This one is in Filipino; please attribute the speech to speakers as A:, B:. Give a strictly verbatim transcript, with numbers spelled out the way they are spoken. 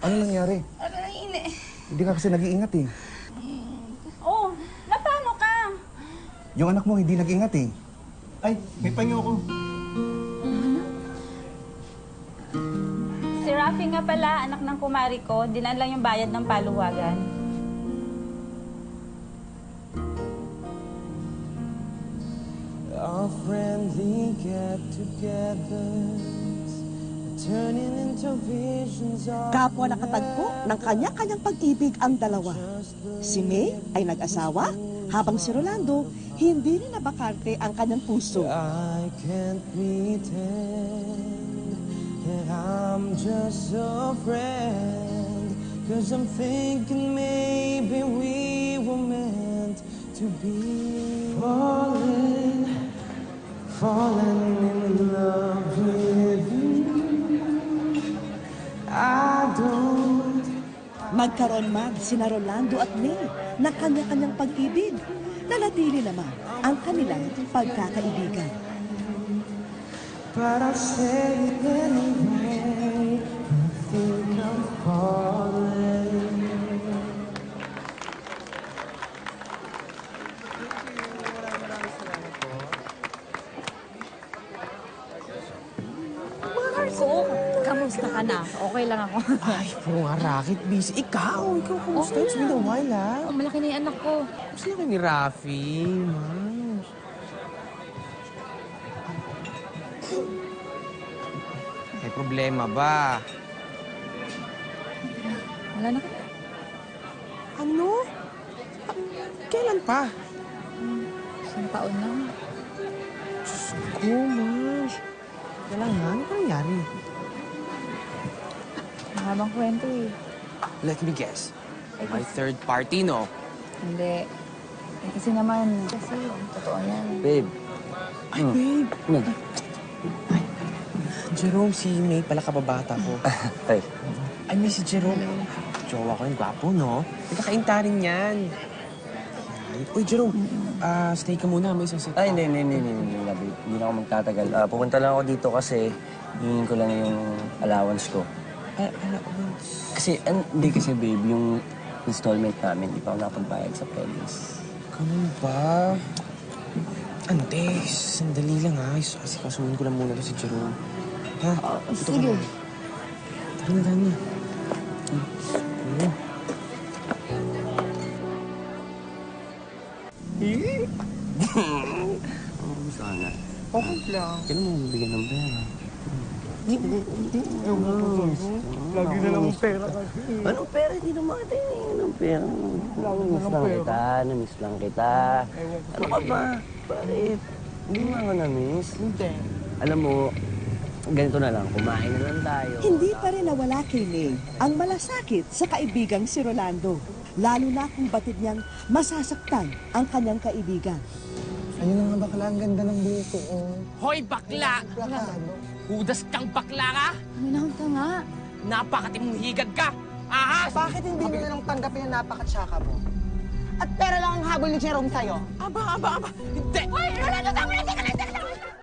A: Ano nangyari?
B: Aray, ini.
A: Hindi ka kasi nag-iingat eh.
B: Oh, napano ka?
A: Yung anak mo hindi nag-iingat eh.
C: Ay, may panyo ko.
B: Si Rafi nga pala, anak ng kumari ko. Dinaan lang yung bayad ng paluwagan.
D: Our friendly get-togethers turning into visions of
E: Kapwa nakatagpo ng kanya-kanyang pag-ibig ang dalawa. Si May ay nag-asawa, habang si Rolando hindi rin nabakarte ang kanyang puso.
D: I can't pretend that I'm just a friend, 'cause I'm thinking maybe we were meant to be. Falling, falling in love with you. I don't.
E: Magkaroon man sina Rolando at May ng kanya-kanyang pag-ibig, nanatili naman ang kanilang pagkakaibigan.
D: But I'll say it anyway. I think I'm falling.
F: Marco, kamusta ka na? Okay lang ako.
G: Ay, puro nga racket busy. Ikaw, ikaw, kumusta?
F: Okay
G: It's been a
F: lang.
G: while, ah.
F: Oh, malaki na yung anak ko.
G: Gusto lang ni Rafi, man. May problema ba?
F: Wala na ka.
G: Ano? Kailan pa?
F: Isang taon na.
G: Diyos ko, Mars. Kailangan, ano pa nangyari?
F: Mahabang kwento eh.
G: Let me guess. My third party, no?
F: Hindi. Eh, kasi naman, kasi totoo yan.
D: Babe.
G: Ay, babe.
D: Ano?
G: Ay, Jerome, si May pala kababata ko.
D: Ay.
G: Ay, may si Jerome. Jowa ko yung gwapo, no? Nagkakainta rin yan. Uy, Jerome, ah, stay ka muna. May sasit
D: Ay, hindi, hindi, hindi, hindi, hindi, babe. Hindi na ako magtatagal. Ah, pupunta lang ako dito kasi hingin ko lang yung allowance ko.
G: Ay, allowance.
D: Kasi, an, hindi kasi, babe, yung installment namin, di pa ako napagbayad sa Pelis.
G: Ganun ba? Ante, sandali lang ha. Kasi kasuhin ko lang muna to si Jerome. Ha?
F: Oh,
G: Ito
F: sige.
G: ka na. Tara na, tara na.
D: Oo, sana.
G: Okay lang.
D: Kailan mo bibigyan ng pera?
C: Lagi na lang ang pera kasi.
D: Anong pera? Hindi naman kita hinihingi ng pera. Namiss lang kita, namiss lang kita. Ano ka ba? Bakit? Hindi mo ako namiss.
C: Hindi.
D: Alam mo, ganito na lang, kumain na lang tayo.
E: Hindi pa rin nawala kay May ang malasakit sa kaibigang si Rolando, lalo na kung batid niyang masasaktan ang kanyang kaibigan.
A: Ayun na nga bakla, ang ganda ng buko, oh.
G: Hoy, bakla!
A: Plakado.
G: Hudas kang bakla ka!
F: Minahon ka nga.
G: Napakatimong higad ka! Ahas!
H: Bakit hindi mo na lang tanggapin na napakatsaka mo? At pera lang ang habol ni Jerome sa'yo.
G: Aba, aba, aba! Hindi!
B: Hoy, Rolando, tama na! Teka lang, teka